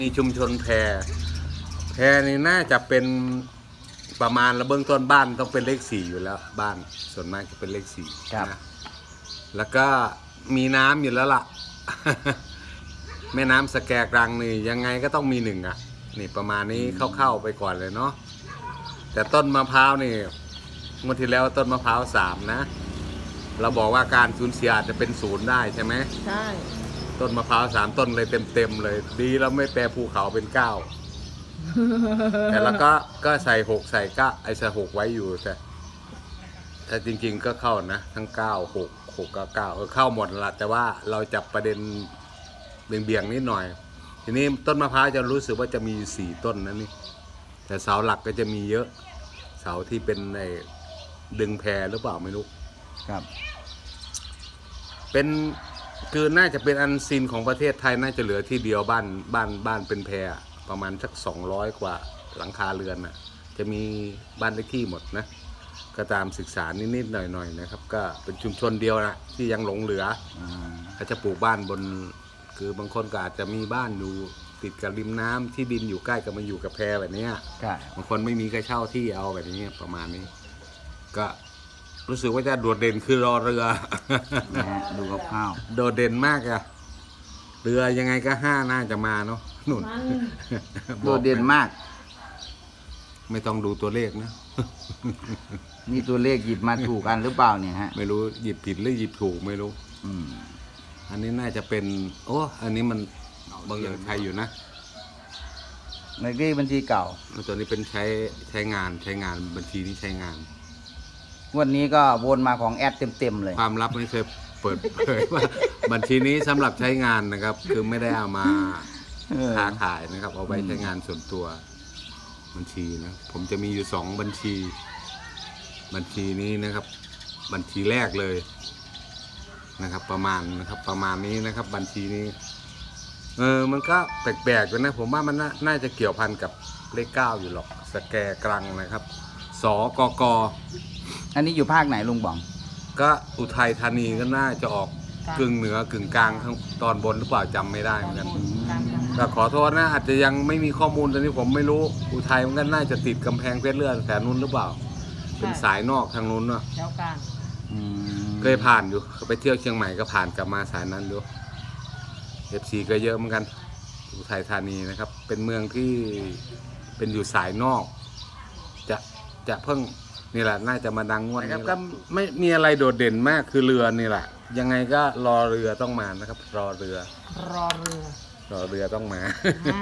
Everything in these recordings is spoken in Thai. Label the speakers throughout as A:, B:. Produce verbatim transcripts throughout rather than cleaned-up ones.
A: มีชุมชนแพรแพรนี่น่าจะเป็นประมาณระเบื้องต้นบ้านต้องเป็นเลขสี่อยู่แล้วบ้านส่วนมากจะเป็นเลขสี่นะแล้วก็มีน้ำอยู่แล้วล่ะ แม่น้ำสแกกรังนี่ยังไงก็ต้องมีหนึ่งอ่ะนี่ประมาณนี้เข้าๆไปก่อนเลยเนาะแต่ต้นมะพร้าวนี่เมื่อที่แล้วต้นมะพร้าวสามนะเราบอกว่าการสูญเสียอาจจะเป็นศูนย์ได้ใช่ไหม
B: ใช่
A: ต้นมะพร้าวสามต้นเลยเต็มๆเลยดีแล้วไม่แปลภูเขาเป็นเก้า แต่แล้วก็ก็ใส่หกใส่เก้าไอ้ใส่หกไว้อยู่แต่แต่จริงๆก็เข้านะทั้งเก้าหกหกกับเก้าเออเข้าหมดละแต่ว่าเราจับประเด็นเบี่ยงๆนิดหน่อยทีนี้ต้นมะพร้าวจะรู้สึกว่าจะมีสี่ต้นนะนี่แต่เสาหลักก็จะมีเยอะเสาที่เป็นไอ้ดึงแพรหรือเปล่าไม่รู้
C: ครับ
A: เป็นคือน่าจะเป็นอันซีนของประเทศไทยน่าจะเหลือที่เดียวบ้านบ้านบ้านเป็นแพรประมาณสักสองร้อยกว่าหลังคาเรือนน่ะจะมีบ้านเลขที่หมดนะก็ตามศึกษานิดๆหน่อยๆนะครับก็เป็นชุมชนเดียวนะที่ยังหลงเหลือเขาจะปลูกบ้านบนคือบางคนก็อาจจะมีบ้านอยู่ติดกับริมน้ำที่ดินอยู่ใกล้กับมาอยู่กับแพแบบนี้บางคนไม่มีใครเช่าที่เอาแบบนี้ประมาณนี้ก็รู้สึกว่าจะโดดเด่นคือรอเรือ
C: ดูกับข้าว
A: โดดเด่นมากอะเรือยังไงก็ห้าน่าจะมาเนาะนุ่น
C: โดดเด่นมาก
A: ไม่ต้องดูตัวเลขนะ
C: นี่ตัวเลขหยิบมาถูกกันหรือเปล่าเนี่ยฮะ
A: ไม่รู้หยิบผิดหรือหยิบถูกไม่รู้
C: อืม
A: อันนี้น่าจะเป็นโอ้อันนี้มันบางอย่างใช้อยู่นะ
C: ในเลขบัญชีเก่า
A: ตัวนี้เป็นใช้ใช้งานใช้งานบัญชีนี้ใช้งาน
C: วันนี้ก็วนมาของแอดเต็มๆเลย
A: ความลับไม่เคยเปิดเผยว่าบัญชีนี้สำหรับใช้งานนะครับคือไม่ได้เอามาค้าขายนะครับเอาไว้ใช้งานส่วนตัวบัญชีนะผมจะมีอยู่สองบัญชีบัญชีนี้นะครับบัญชีแรกเลยนะครับประมาณนะครับประมาณนี้นะครับบัญชีนี้เออมันก็แปลกๆอยู่นะผมว่ามันน่าจะเกี่ยวพันกับเลขเก้าอยู่หรอกสแกกรังนะครับสกก
C: อันนี้อยู่ภาคไหนลุงบอง
A: ก็อุทัยธานีก็น่าจะออกกึ่งเหนือกึ่งกลางข้างตอนบนหรือเปล่าจำไม่ได้เหมือนกันก็ขอโทษนะอาจจะยังไม่มีข้อมูลตอนนี้ผมไม่รู้อุทัยมันก็น่าจะติดกำแพงเพชรเลื่อนแถวนู้นหรือเปล่าเป็นสายนอกทางนู้นเนาะ
B: แถวกลาง
A: เคยผ่านอยู่ไปเที่ยวเชียงใหม่ก็ผ่านกลับมาสายนั้นอยู่เอฟซีก็เยอะเหมือนกันอุทัยธานีนะครับเป็นเมืองที่เป็นอยู่สายนอกจะจะเพิ่งนี่แหละน่าจะมาดังงวดนี้ก็ไม่มีอะไรโดดเด่นมากคือเรือนี่แหละยังไงก็รอเรือต้องมานะครับรอเรือ
B: รอเรือ
A: รอเรือต้องมาร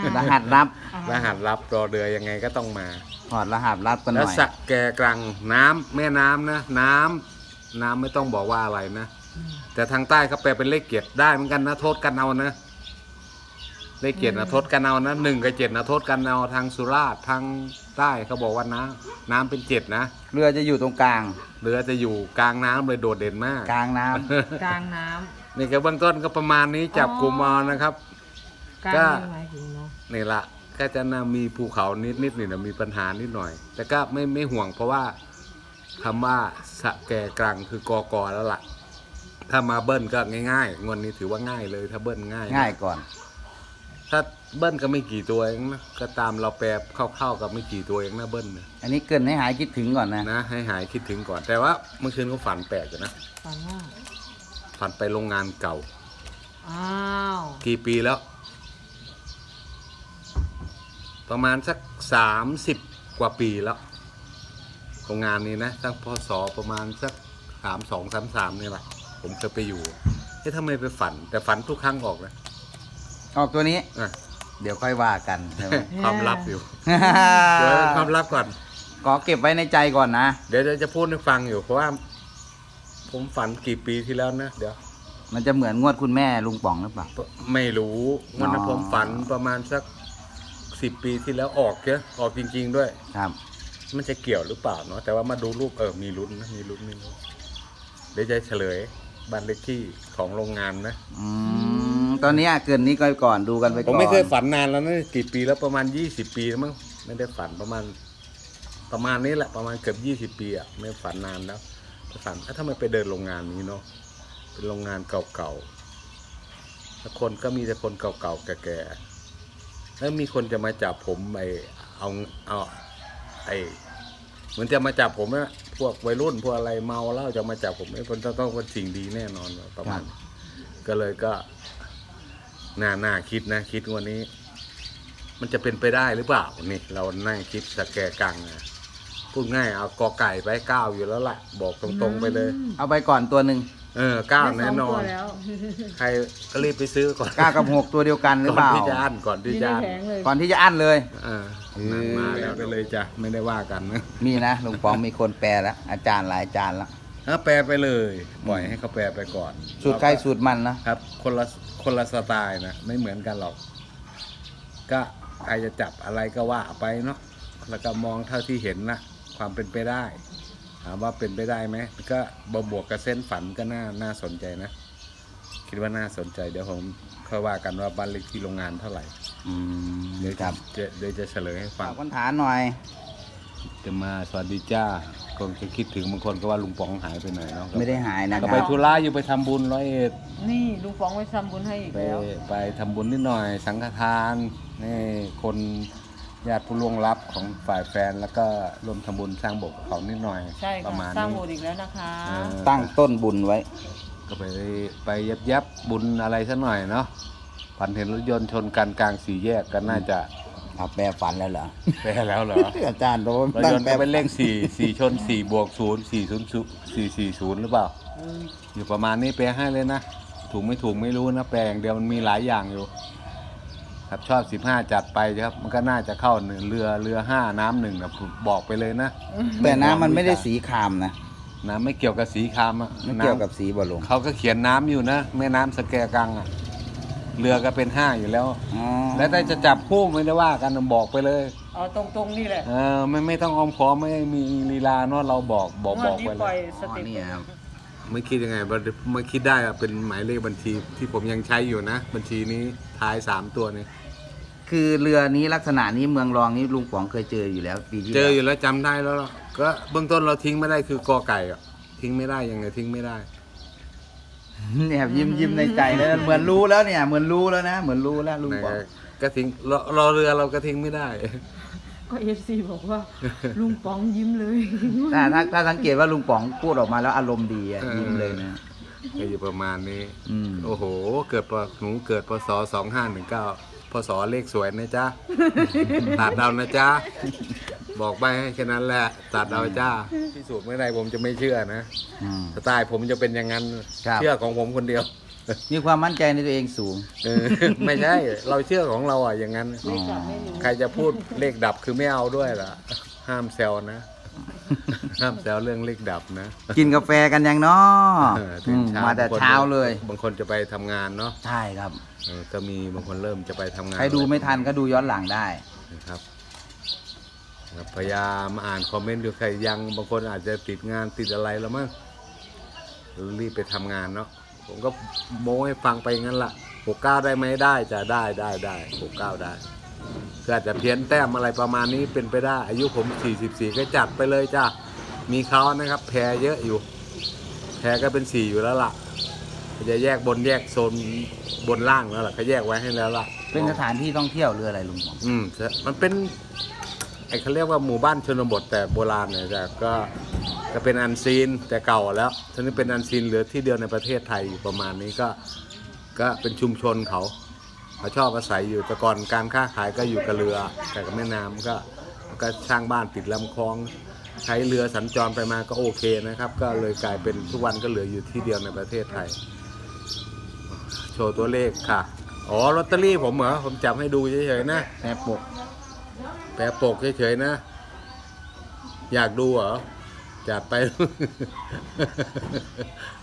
C: หัสลับ
A: รหัสลับรอเรือยังไงก็ต้องมา
C: ถอดรหัสลับกันหน่อย
A: แล้วสักแกกรังน้ำแม่น้ำนะน้ำน้ำไม่ต้องบอกว่าอะไรนะแต่ทางใต้เขาแปลเป็นเลขเกียรติได้เหมือนกันนะโทษกันเอานะเลขเกียรตินะโทษกันเอานะหนึ่งกับเจ็ดนะโทษกันเอาทางสุราษฎร์ทางใต้เขาบอกว่าน้ำน้ำเป็นเจ็ดนะ
C: เรือจะอยู่ตรงกลาง
A: เรือจะอยู่กลางน้ำเลยโดดเด่นมาก
C: กลางน้ำ
B: กลางน้ำ
A: นี่ก็เบื้องต้นก็ประมาณนี้จับกลุ่มเอานะครับ
B: ก็
A: นี่ละก็จะน่ามีภูเขานิดนิดนี่นะมีปัญหานิดหน่อยแต่ก็ไม่ไม่ห่วงเพราะว่าคำว่าสะแกกรังคือกอกอแล้วล่ะถ้ามาเบิ้ลก็ง่ายๆงวดนี้ถือว่าง่ายเลยถ้าเบิ้ลง่าย
C: ง่ายก่อน
A: ถ้าเบิ้ลก็ไม่กี่ตัวเองนะก็ตามเราแปลเข้าๆกับไม่กี่ตัวเองนะเบิ้ลนะ
C: อันนี้เกินให้หายคิดถึงก่อนนะ
A: นะให้หายคิดถึงก่อนแต่ว่าเมื่อคืนก็ฝันแปลกอยู่นะ
B: ฝันว่า
A: ฝันไปโรงงานเก่า
B: อ้าว
A: กี่ปีแล้วประมาณสักสามสิบกว่าปีแล้วโรงงานนี้นะตั้งพศประมาณสักสามสองสามสามนี่แหละผมเคยไปอยู่เฮ้ยทำไมไปฝันแต่ฝันทุกครั้งออกนะ
C: ออกตัวนี้เดี๋ยวค่อยว่ากัน
A: ความลับอยู่เดี๋ยวความลับก่อน
C: ขอเก็บไว้ในใจก่อนนะ
A: เดี๋ยวจะพูดให้ฟังอยู่เพราะว่าผมฝันกี่ปีที่แล้วนะเดี๋ยว
C: มันจะเหมือนงวดคุณแม่ลุงป๋องหรือเปล่า
A: ไม่รู้วันนั้นผมฝันประมาณสักสิบปีที่แล้วออกเยอะออกจริงๆด้วย
C: ครับ
A: มันจะเกี่ยวหรือเปล่าเนาะแต่ว่ามาดูรูปเออมีลุ้นนะมีลุ้นมีลุ้นเดี๋ยวจะเฉลยบ้านเลขที่ของโรงงานนะ
C: อืมตอนนี้เกินนี้ก็ก่อนดูกันไปก่อน
A: ผมไม่เคยฝันนานแล้วนะกี่ปีแล้วประมาณยี่สิบปีแล้วมั้งไม่ได้ฝันประมาณประมาณนี้แหละประมาณเกือบยี่สิบปีอ่ะไม่ฝันนานแล้วฝันถ้าไม่ไปเดินโรงงานนี้เนาะเป็นโรงงานเก่าๆแล้วคนก็มีแต่คนเก่าๆแก่ๆแล้วมีคนจะมาจับผมไอเอาเอาไอเหมือนจะมาจับผมนะพวกวัยรุ่นพวกอะไรเมาแล้วจะมาจับผมไอ้คนต้องต้องเป็นสิ่งดีแน่นอนประมาณนี้ก็เลยก็น่าน่าคิดนะคิดวันนี้ มันจะเป็นไปได้หรือเปล่านี่เรานั่งคิดสแกกังนะพูดง่ายเอากอไก่ไปเก้าอยู่แล้วล่ะบอกตรงๆไปเลย
C: เอาไปก่อนตัวหนึ่ง
A: เออเก้า
B: ได้
A: แน่
B: สง
A: นอ
B: ตัวน แล้ว
A: ใครก็รีบไปซื้อก่อน
C: เก้ากับหกตัวเดียวกันหรือ
A: ก่อ
C: เป
A: น
C: ล่า
A: ที่จะอั้นก่อนที่
B: มี
A: จะ
B: ใน
A: อั้น
B: แผงเลย
C: ก่อนที่จะอั้นเลย
A: เออนั่นมาแล้วไปเลยจ้ะไม่ได้ว่ากันนะ
C: มีนะลุงป๋องมีคนแปลแล้วอาจารย์หลายอาจารย์แล้ว
A: ถ้าแปลไปเลยปล่อยให้เขาแปลไปก่อน
C: สูตรใครสูตรมันนะครับ
A: คนละคนละสไตล์นะไม่เหมือนกันหรอก ก็ใครจะจับอะไรก็ว่าไปเนาะแล้วก็มองเท่าที่เห็นนะความเป็นไปได้ถามว่าเป็นไปได้ไหมก็บวกกับเส้นฝันก็น่าน่าสนใจนะ คิดว่าน่าสนใจเดี๋ยวผมค่อยว่ากันว่าบ้านเล็กที่โรงงานเท่าไหร่
C: อืม
A: เดี๋ยว
C: ค
A: จะ
C: รับ
A: จะเดี๋ยวจะเฉลยให้ฟั
C: ฝาง กคนฐานหน่อย
A: จะมาสวัสดีจ้าคงจะคิดถึงบางคนก็ว่าลุงป๋องหายไปไหนเนาะ
C: ไม่ได้หายนะค
A: ก็
C: รับ
A: ไปธุระอยู่ไปทำบุญร้อยเอ็ด
B: นี่ลุงป๋องไปทำบุญให้อีก
A: ไป
B: แล้ว
A: ไปทำบุญนิดหน่อย สังฆทานนี่คนญาติผู้ล่วงลับของฝ่ายแฟนแล้วก็รวมทำบุญสร้างโบสถ์กับเขานิดหน่อย
B: ใช่
A: ประ
B: ค่ะ
A: มาณ
B: สร้าง
A: นี้
B: โบสถ์อีกแล้วนะคะ
A: เออ
C: ตั้งต้นบุญไว้
A: ก็ไปไปยับยับบุญอะไรสักหน่อยเนาะฝันเห็นรถยนต์ชนกันกลางสี่แยกก็น่าจะ
C: เอาแปลฝันแล้วเหรอ
A: แพ้แล้วเหรอ
C: อาจารย์โดน
A: รถยนต์ก็เป็นเลขสี่สี่ชนสี่บวกศูนย์สี่ศูนย์สี่สี่ศูนย์หรือเปล่า อยู่ประมาณนี้แปลให้เลยนะ ถูกไม่ถูกไม่รู้นะแปลอย่างเดียวมันมีหลายอย่างอยู่ ครับชอบสิบห้าจัดไปครับ มันก็น่าจะเข้าหนึ่งเรือเรือห้าน้ำหนึ่งนะผมบอกไปเลยนะ
C: แต่น้ำมันไม่ได้สีครามนะ
A: น้ำไม่เกี่ยวกับสีครามอะ
C: ไม่เกี่ยวกับ
A: น้
C: สีบอลลง
A: ำเขาก็เขียนน้ำอยู่นะแม่น้ำสแกกังอะเรือก็เป็นห้าอยู่แล้ว
C: อ๋อ
A: แล้วแต่จะจับคู่ไม่ได้ว่ากันบอกไปเลย
B: เอาตรงๆนี่แหละ
A: เออไม่ไม่ต้องออมขอมไม่มีลีลาเนาะเราบอกบอก
B: ง
A: บ
B: ว
A: อ
B: ด
A: ก
B: นี้
A: ไป
B: ป
A: เล
B: ล่อย
A: ย
B: สเต็ป
C: นี่ครับ
A: ไม่คิดยังไงมาคิดได้อะเป็นหมายเลขบัญชีที่ผมยังใช้อยู่นะ บัญชีนี้ท้ายสามตัวนี้
C: คือเรือนี้ลักษณะนี้เมืองรองนี้ลุงป๋องเคยเจออยู่แล้วปีที่
A: เจออ
C: แล้ว
A: ยู่แล้วจำได้แล้วล่ะก็เบื้องต้นเราทิ้งไม่ได้คือกอไก่อะทิ้งไม่ได้ยังไงทิ้งไม่ได้
C: เนี่ยยิ้มยิ้มในใจแล้วเหมือนรู้แล้วเนี่ยเหมือนรู้แล้วนะ เหมือนรู้แล้วลุงป๋อง
A: ก็ทิ้งรอรอเรือเราก็ทิ้งไม่ได้
B: ก็เอฟซีบอกว่า ลุงป๋องยิ้มเลย
C: ถ้าถ้าถ้าสังเกตว่าลุงป๋องพูดออกมาแล้วอารมณ์ดีอะ
A: เออ
C: ยิ้มเลยนะ
A: ก็อยู่ประมาณนี้
C: อืม
A: โอ้โห เกิดปหนูเกิดพศสองห้าหนึ่งเก้าพศเลขสวยนะจ๊ะ ตัดเอานะจ๊ะ บอกไปให้แค่นั้นแหละ ตัดเอาจ้าพิสูจน์ไม่ได้ผมจะไม่เชื่อนะ
C: อืม
A: สไตล์ผมจะเป็นอย่างนั้น
C: ครับ
A: เชื่อของผมคนเดียว
C: มีความมั่นใจในตัวเองสูง
A: เออ ไม่ใช่ เราเชื่อของเราอ่ะอย่างนั้น
B: ไม่กลับไม่รู้
A: ใครจะพูดเลขดับคือไม่เอาด้วยล่ะ ห้ามแซวนะ ห้ามแซวเรื่องเลขดับนะ
C: กินกาแฟกันยังเนาะ
A: เออตื่นเช้
C: มาแต่เช้าเลย
A: บางคนจะไปทำงานเนาะ
C: ใช่ครับ
A: เออก็มีบางคนเริ่มจะไปทำงาน
C: ใครดูไม่ทันก็ดูย้อนหลังได้
A: นะครับครับพยายามอ่านคอมเมนต์ดูใครยังบางคนอาจจะติดงานติดอะไรแล้วมั้งรีบไปทำงานเนาะผมก็โม้ให้ฟังไปงั้นละหกเก้าได้ไหมได้จะได้ได้ได้หกเก้าได้ก็อาจจะเพี้ยนแต้มอะไรประมาณนี้เป็นไปได้ อายุผมสี่สิบสี่ก็จัดไปเลยจ้ามีเขานะครับ แพรเยอะอยู่ แพรก็เป็นสี่อยู่แล้วล่ะจะแยกบนแยกโซนบนล่างแล้วล่ะเขาแยกไว้ให้แล้วล่ะ
C: เป็นสถานที่ท่องเที่ยวหรืออะไรลุงป๋อง
A: อืมมันเป็นไอ้เขาเรียกว่าหมู่บ้านชนบทแต่โบราณเนี่ยแต่ก็ก็เป็นอันซีนแต่เก่าแล้วทีนี้เป็นอันซีนเหลือที่เดียวในประเทศไทยอยู่ประมาณนี้ก็ก็เป็นชุมชนเขาเขาชอบอาศัยอยู่แต่ก่อนการค้าขายก็อยู่กับเรือแต่กับแม่น้ำก็ก็สร้างบ้านติดลำคลองใช้เรือสัญจรไปมาก็โอเคนะครับ ก็เลยกลายเป็นทุกวันก็เหลืออยู่ที่เดียวในประเทศไทย โชว์ตัวเลขค่ะอ๋อลอตเตอรี่ผมเหรอผมจับให้ดูเฉยๆนะ
C: แปรปก
A: แปะปกเฉยๆนะ อยากดูเหรอ จัดไป